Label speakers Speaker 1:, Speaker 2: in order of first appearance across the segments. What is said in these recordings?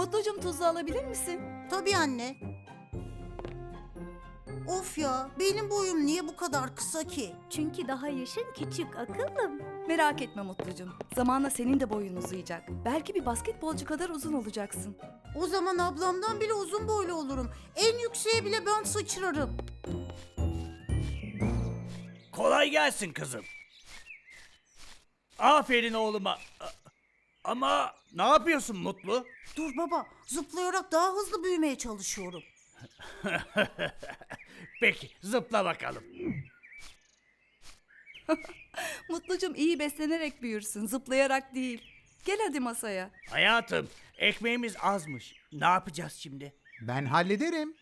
Speaker 1: Mutlucum tuzlu alabilir misin?
Speaker 2: Tabii anne. Of ya, benim boyum niye bu kadar kısa ki?
Speaker 3: Çünkü daha yaşın küçük akıllım.
Speaker 1: Merak etme Mutlucum. Zamanla senin de boyun uzayacak. Belki bir basketbolcu kadar uzun olacaksın.
Speaker 2: O zaman ablamdan bile uzun boylu olurum. En yükseğe bile ben sıçrarım.
Speaker 4: Kolay gelsin kızım. Aferin oğluma. Ama ne yapıyorsun Mutlu?
Speaker 2: Dur baba, zıplayarak daha hızlı büyümeye çalışıyorum.
Speaker 4: Peki zıpla bakalım.
Speaker 1: Mutlucum iyi beslenerek büyürsün, zıplayarak değil. Gel hadi masaya.
Speaker 4: Hayatım ekmeğimiz azmış. Ne yapacağız şimdi?
Speaker 5: Ben hallederim.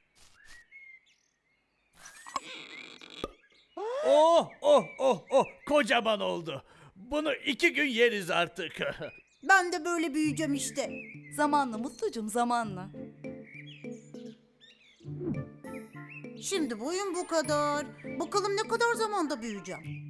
Speaker 4: Oh oh oh oh kocaman oldu. Bunu 2 gün yeriz artık.
Speaker 2: Ben de böyle büyüyeceğim işte.
Speaker 1: Zamanla Mutlucum, zamanla.
Speaker 2: Şimdi boyum bu kadar. Bakalım ne kadar zamanda büyüyeceğim.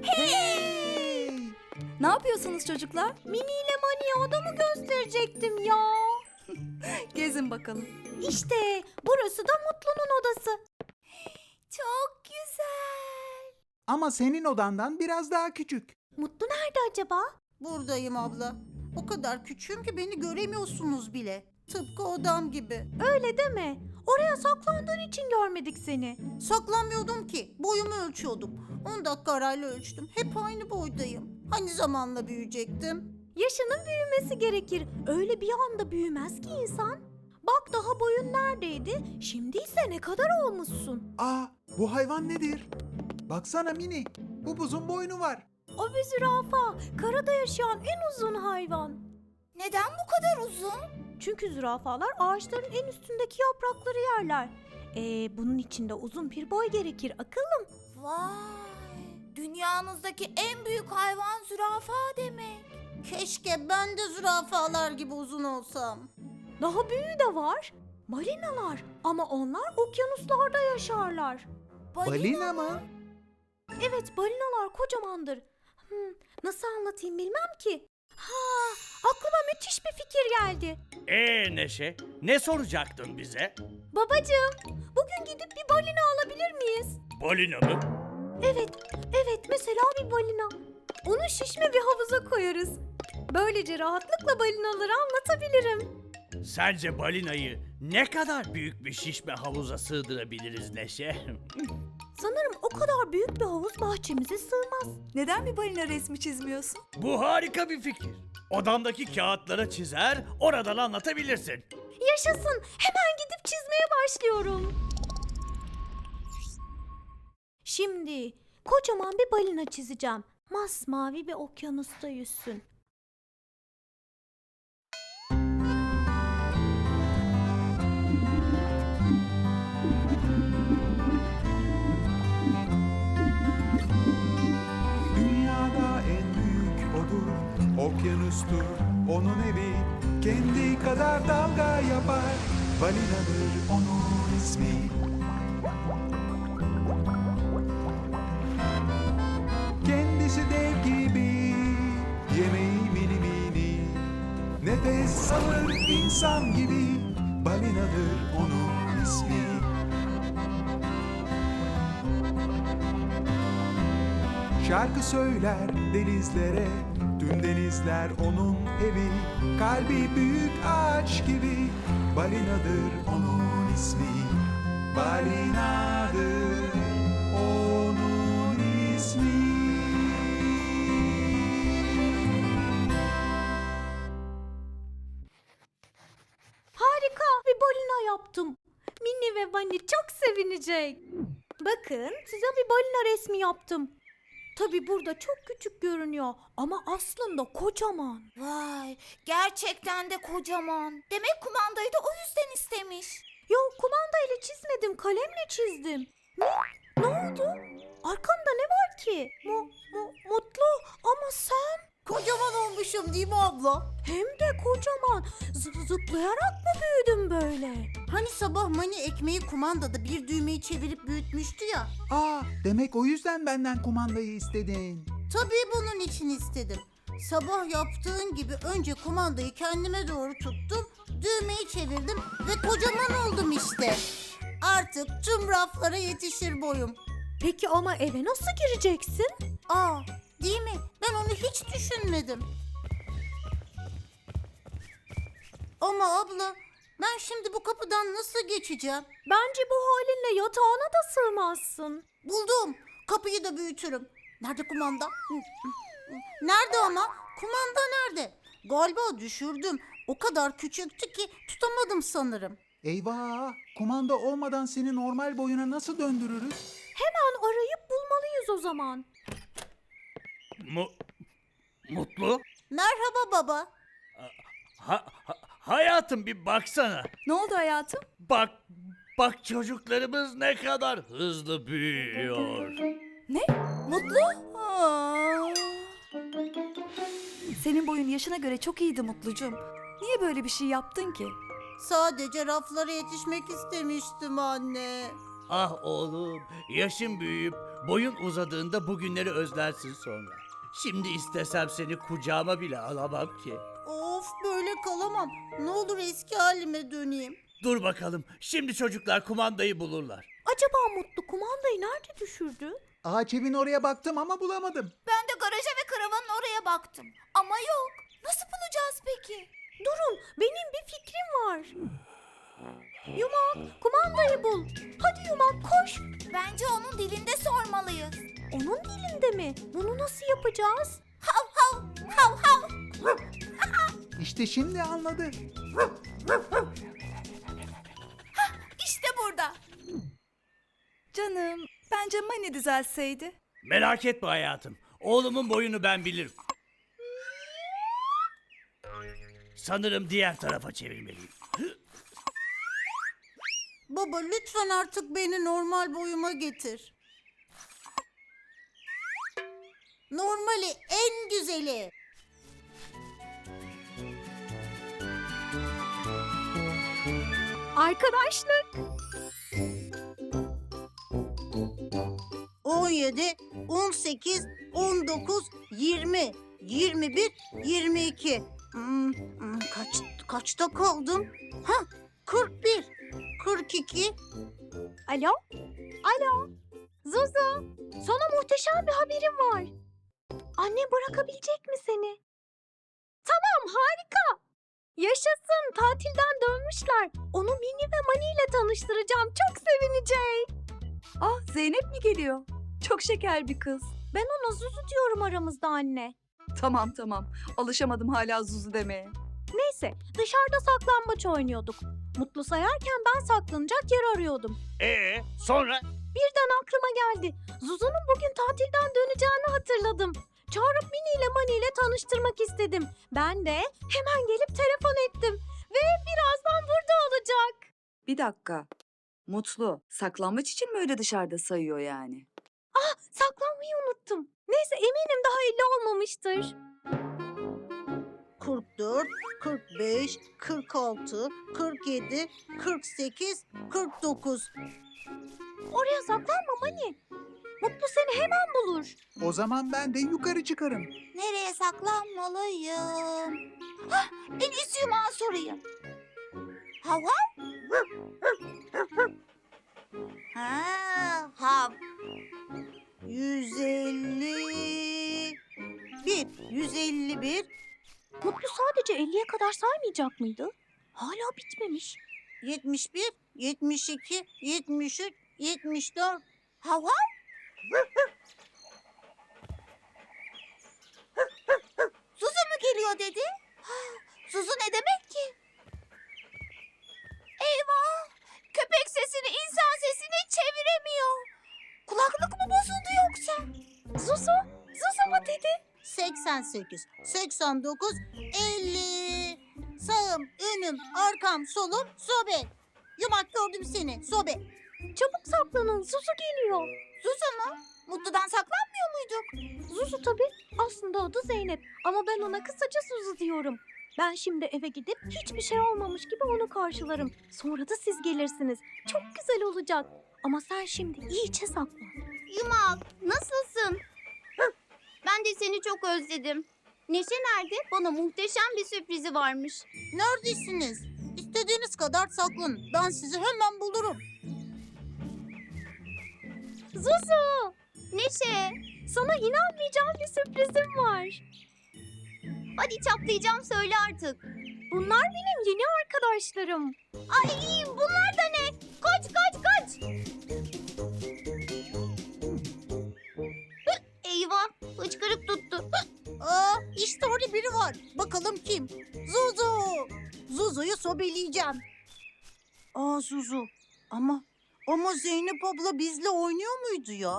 Speaker 1: Ne yapıyorsunuz çocuklar?
Speaker 3: Mini ile Mani'ye odamı gösterecektim ya.
Speaker 1: Gezin bakalım.
Speaker 3: İşte burası da Mutlu'nun odası. Çok güzel.
Speaker 5: Ama senin odandan biraz daha küçük.
Speaker 3: Mutlu nerede acaba?
Speaker 2: Buradayım abla. O kadar küçüğüm ki beni göremiyorsunuz bile. Tıpkı odam gibi.
Speaker 3: Öyle deme. Oraya saklandığın için görmedik seni.
Speaker 2: Saklanmıyordum ki. Boyumu ölçüyordum. 10 dakika arayla ölçtüm. Hep aynı boydayım. Hani zamanla büyüyecektim?
Speaker 3: Yaşının büyümesi gerekir. Öyle bir anda büyümez ki insan. Bak daha boyun neredeydi? Şimdi ise ne kadar olmuşsun.
Speaker 5: Aa, bu hayvan nedir? Baksana Mini, bu buzun boynu var.
Speaker 3: O bir zürafa. Karada yaşayan en uzun hayvan.
Speaker 2: Neden bu kadar uzun?
Speaker 3: Çünkü zürafalar ağaçların en üstündeki yaprakları yerler. Bunun için de uzun bir boy gerekir akıllım.
Speaker 6: Vay! Dünyanızdaki en büyük hayvan zürafa demek.
Speaker 2: Keşke ben de zürafalar gibi uzun olsam.
Speaker 3: Daha büyüğü de var. Balinalar. Ama onlar okyanuslarda yaşarlar.
Speaker 5: Balina mı?
Speaker 3: Evet, balinalar kocamandır. Nasıl anlatayım bilmem ki. Aklıma müthiş bir fikir geldi.
Speaker 4: Neşe ne soracaktın bize?
Speaker 3: Babacığım, bugün gidip bir balina alabilir miyiz?
Speaker 4: Balina mı?
Speaker 3: Evet, mesela bir balina. Onu şişme bir havuza koyarız. Böylece rahatlıkla balinaları anlatabilirim.
Speaker 4: Sence balinayı ne kadar büyük bir şişme havuza sığdırabiliriz Neşe?
Speaker 3: Sanırım o kadar büyük bir havuz bahçemize sığmaz.
Speaker 1: Neden bir balina resmi çizmiyorsun?
Speaker 4: Bu harika bir fikir. Odamdaki kağıtlara çizer, oradan anlatabilirsin.
Speaker 3: Yaşasın, hemen gidip çizmeye başlıyorum. Şimdi kocaman bir balina çizeceğim. Masmavi bir okyanusta yüzsün.
Speaker 7: Dünyada en büyük odur, okyanustur onun evi. Kendi kadar dalga yapar, balinadır onun ismi. Kendisi dev gibi, yemeği mini mini. Nefes alır insan gibi, balinadır onun ismi. Şarkı söyler denizlere, tüm denizler onun evi. Kalbi büyük ağaç gibi, balinadır onun ismi. Balinadır onun ismi.
Speaker 3: Harika bir balina yaptım. Minnie ve Bunny çok sevinecek. Bakın size bir balina resmi yaptım. Tabii burada çok küçük görünüyor ama aslında kocaman.
Speaker 6: Vay! Gerçekten de kocaman. Demek kumandayı da o yüzden istemiş.
Speaker 3: Yok kumandayla çizmedim, kalemle çizdim. Ne oldu? Arkamda ne var ki? Mutlu ama sen?
Speaker 2: Kocaman olmuşum değil mi abla?
Speaker 3: Hem de kocaman. Zıplayarak mı büyüdün böyle?
Speaker 2: Hani sabah Mani ekmeği kumandada bir düğmeyi çevirip büyütmüştü ya.
Speaker 5: Aa, demek o yüzden benden kumandayı istedin.
Speaker 2: Tabii bunun için istedim. Sabah yaptığın gibi önce kumandayı kendime doğru tuttum, düğmeyi çevirdim ve kocaman oldum işte. Artık tüm raflara yetişir boyum.
Speaker 3: Peki ama eve nasıl gireceksin?
Speaker 2: Aa, değil mi? Ben onu hiç düşünmedim. Ama abla, ben şimdi bu kapıdan nasıl geçeceğim?
Speaker 3: Bence bu halinle yatağına da sığmazsın.
Speaker 2: Buldum. Kapıyı da büyütürüm. Nerede kumanda? Nerede ama? Kumanda nerede? Galiba düşürdüm. O kadar küçüktü ki tutamadım sanırım.
Speaker 5: Eyvah! Kumanda olmadan seni normal boyuna nasıl döndürürüz?
Speaker 3: Hemen arayıp bulmalıyız o zaman.
Speaker 4: Mutlu?
Speaker 2: Merhaba baba.
Speaker 4: Hayatım bir baksana.
Speaker 1: Ne oldu hayatım?
Speaker 4: Bak çocuklarımız ne kadar hızlı büyüyor.
Speaker 1: Ne? Mutlu? Aa. Senin boyun yaşına göre çok iyiydi Mutlucuğum. Niye böyle bir şey yaptın ki?
Speaker 2: Sadece raflara yetişmek istemiştim anne.
Speaker 4: Ah oğlum, yaşın büyüyüp boyun uzadığında bugünleri özlersin sonra. Şimdi istesem seni kucağıma bile alamam ki.
Speaker 2: Of, böyle kalamam. Ne olur eski halime döneyim.
Speaker 4: Dur bakalım, şimdi çocuklar kumandayı bulurlar.
Speaker 3: Acaba Mutlu kumandayı nerede düşürdü?
Speaker 5: Ağaç evin oraya baktım ama bulamadım.
Speaker 6: Ben de garaja ve karavanın oraya baktım. Ama yok. Nasıl bulacağız peki?
Speaker 3: Durun, benim bir fikrim var. Yumak, kumandayı bul. Hadi Yumak koş.
Speaker 6: Bence onun dilinde sormalıyız.
Speaker 3: Onun dilinde mi? Bunu nasıl yapacağız?
Speaker 6: Hav hav hav hav.
Speaker 5: İşte şimdi anladı.
Speaker 6: İşte burada.
Speaker 1: Canım, bence Mani düzelseydi.
Speaker 4: Merak etme hayatım, oğlumun boyunu ben bilirim. Sanırım diğer tarafa çevirmeliyim.
Speaker 2: Baba, lütfen artık beni normal boyuma getir. Normali, en güzeli.
Speaker 3: Arkadaşlık.
Speaker 2: 17, 18, 19, 20, 21, 22. Kaçta kaldım? 41, 42.
Speaker 3: Alo? Alo? Zuzu, sana muhteşem bir haberim var. Anne bırakabilecek mi seni? Tamam, harika. Yaşasın, tatilden dönmüşler. Onu Mini ve Mani ile tanıştıracağım. Çok sevinecek.
Speaker 1: Ah, Zeynep mi geliyor? Çok şeker bir kız.
Speaker 3: Ben ona Zuzu diyorum aramızda anne.
Speaker 1: Tamam. Alışamadım hala Zuzu demeye.
Speaker 3: Neyse, dışarıda saklambaç oynuyorduk. Mutlu sayarken ben saklanacak yer arıyordum.
Speaker 4: Sonra?
Speaker 3: Birden aklıma geldi. Zuzu'nun bugün tatilden döneceğini hatırladım. Çağırıp Mini ile Mani ile tanıştırmak istedim. Ben de hemen gelip telefon ettim. Ve birazdan burada olacak.
Speaker 1: Bir dakika. Mutlu, saklambaç için mi öyle dışarıda sayıyor yani?
Speaker 3: Saklanmayı unuttum. Neyse eminim daha 50 olmamıştır.
Speaker 2: 44, 45, 46, 47, 48, 49.
Speaker 3: Oraya saklanma Mani. Mutlu seni hemen bulur.
Speaker 5: O zaman ben de yukarı çıkarım.
Speaker 6: Nereye saklanmalıyım? En iyisi yumağa sorayım. Hav hav. Hav.
Speaker 2: 151, 151,
Speaker 3: Mutlu sadece 50'ye kadar saymayacak mıydı? Hala bitmemiş.
Speaker 2: 71, 72, 73, 74.
Speaker 6: Hav hav. Zuzu mu geliyor dedi? Zuzu ne demek ki? Eyvah! Köpek sesini insan sesine çeviremiyor. Kulaklık mı bozuldu yoksa?
Speaker 3: Zuzu mu dedi?
Speaker 2: 88, 89, 50. Sağım, önüm, arkam, solum, sobe. Yumak, gördüm seni, sobe.
Speaker 3: Çabuk saklanın, Zuzu geliyor.
Speaker 6: Zuzu mu? Mutlu'dan saklanmıyor muyduk?
Speaker 3: Zuzu tabii. Aslında adı Zeynep ama ben ona kısaca Zuzu diyorum. Ben şimdi eve gidip hiçbir şey olmamış gibi onu karşılarım. Sonra da siz gelirsiniz. Çok güzel olacak. Ama sen şimdi iyice saklan.
Speaker 8: Yumak, nasılsın? Ben de seni çok özledim.
Speaker 6: Neşe nerede? Bana muhteşem bir sürprizi varmış.
Speaker 2: Neredesiniz? İstediğiniz kadar saklanın. Ben sizi hemen bulurum.
Speaker 6: Zuzu! Neşe!
Speaker 3: Sana inanmayacağım bir sürprizim var.
Speaker 6: Hadi çatlayacağım, söyle artık.
Speaker 3: Bunlar benim yeni arkadaşlarım.
Speaker 6: Ay, bunlar da ne? Kaç kaç kaç! Hı, eyvah! Hıçkırık tuttu.
Speaker 2: İşte orada biri var. Bakalım kim? Zuzu! Zuzu'yu sobeleyeceğim. Zuzu. Ama Zeynep abla bizle oynuyor muydu ya?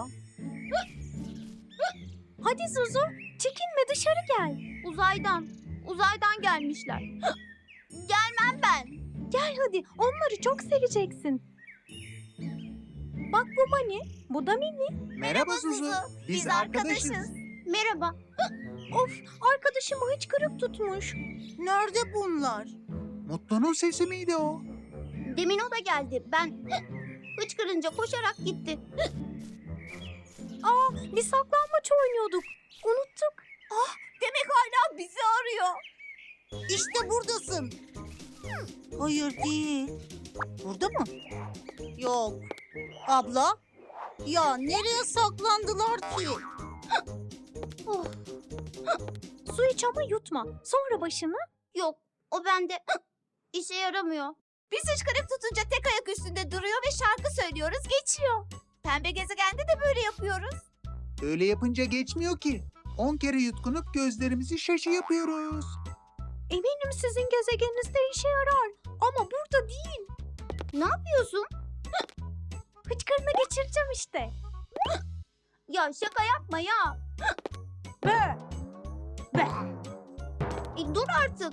Speaker 3: Hadi Zuzu, çekinme dışarı gel.
Speaker 6: Uzaydan gelmişler. Hı, gelmem ben.
Speaker 3: Gel hadi, onları çok seveceksin. Bak bu Mani, bu da Mini.
Speaker 5: Merhaba Zuzu. Biz arkadaşız.
Speaker 6: Merhaba.
Speaker 3: Of, arkadaşımı hıçkırık tutmuş.
Speaker 2: Nerede bunlar?
Speaker 5: Mutlu'nun sesi miydi o?
Speaker 6: Demin o da geldi. Ben hıçkırınca koşarak gitti.
Speaker 3: Biz saklanmaç oynuyorduk. Unuttuk.
Speaker 6: Demek hala bizi arıyor.
Speaker 2: İşte buradasın. Hayır değil. Burada mı? Yok. Abla? Ya nereye saklandılar ki?
Speaker 3: Su iç ama yutma. Sonra başını.
Speaker 6: Yok, o bende işe yaramıyor. Biz hıçkırık tutunca tek ayak üstünde duruyor ve şarkı söylüyoruz, geçiyor. Pembe gezegende de böyle yapıyoruz.
Speaker 5: Öyle yapınca geçmiyor ki. 10 kere yutkunup gözlerimizi şaşı yapıyoruz.
Speaker 3: Eminim sizin gezegeninizde işe yarar. Ama burada değil.
Speaker 6: Ne yapıyorsun?
Speaker 3: Hıçkırını geçireceğim işte.
Speaker 6: Ya şaka yapma ya.
Speaker 3: Be.
Speaker 6: Dur artık.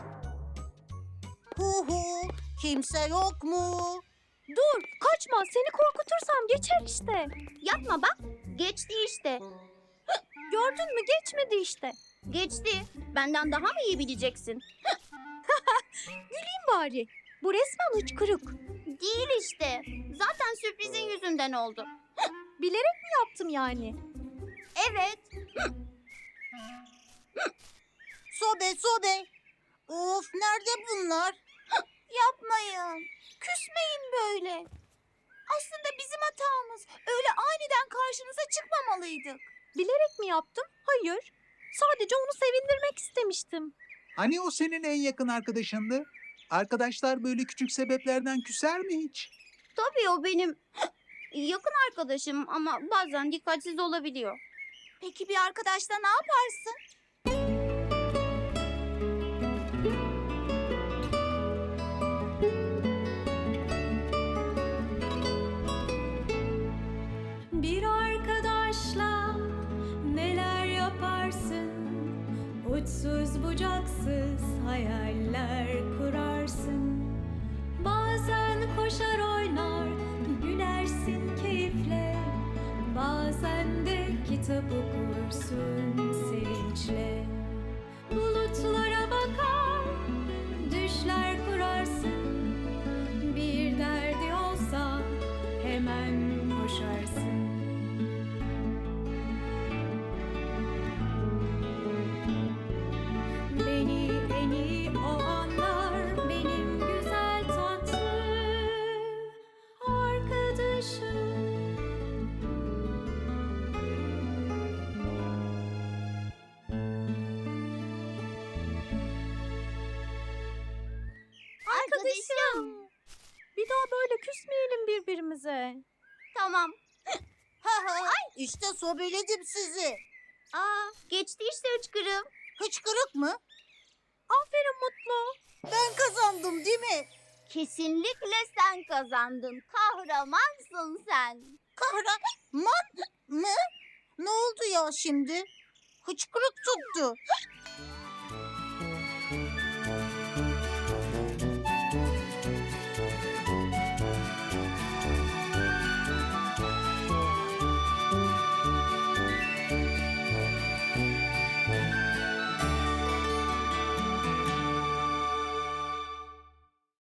Speaker 2: Hu, kimse yok mu?
Speaker 3: Dur, kaçma. Seni korkutursam geçer işte.
Speaker 6: Yapma bak. Geçti işte.
Speaker 3: Gördün mü? Geçmedi işte.
Speaker 6: Geçti. Benden daha mı iyi bileceksin?
Speaker 3: Güleyim bari. Bu resmen hıçkırık.
Speaker 6: Değil işte. Zaten sürprizin yüzünden oldu.
Speaker 3: Bilerek mi yaptım yani?
Speaker 6: Evet.
Speaker 2: Sobe. Of, nerede bunlar?
Speaker 6: Yapmayın. Küsmeyin böyle. Aslında bizim hatamız. Öyle aniden karşınıza çıkmamalıydık.
Speaker 3: Bilerek mi yaptım? Hayır. Sadece onu sevindirmek istemiştim.
Speaker 5: Hani o senin en yakın arkadaşındı? Arkadaşlar böyle küçük sebeplerden küser mi hiç?
Speaker 6: Tabii o benim yakın arkadaşım ama bazen dikkatsiz olabiliyor. Peki bir arkadaşla ne yaparsın?
Speaker 3: Bir arkadaşla neler yaparsın? Uçsuz bucaksız hayaller kurarsın. Bazen koşar oynar, gülersin keyifle. Bazen de kitap okursun sevinçle. Bulutlara bakar, düşler kurarsın. Bir derdi olsa hemen koşarsın. Beni en iyi o anlar, benim güzel tatlı arkadaşım.
Speaker 6: Arkadaşım.
Speaker 3: Bir daha böyle küsmeyelim birbirimize.
Speaker 6: Tamam.
Speaker 2: İşte sobeledim sizi.
Speaker 6: Geçti işte hıçkırığım.
Speaker 2: Hıçkırık mı?
Speaker 3: Aferin Mutlu.
Speaker 2: Ben kazandım değil mi?
Speaker 6: Kesinlikle sen kazandın. Kahramansın sen.
Speaker 2: Kahraman mı? Ne oldu ya şimdi? Hıçkırık tuttu.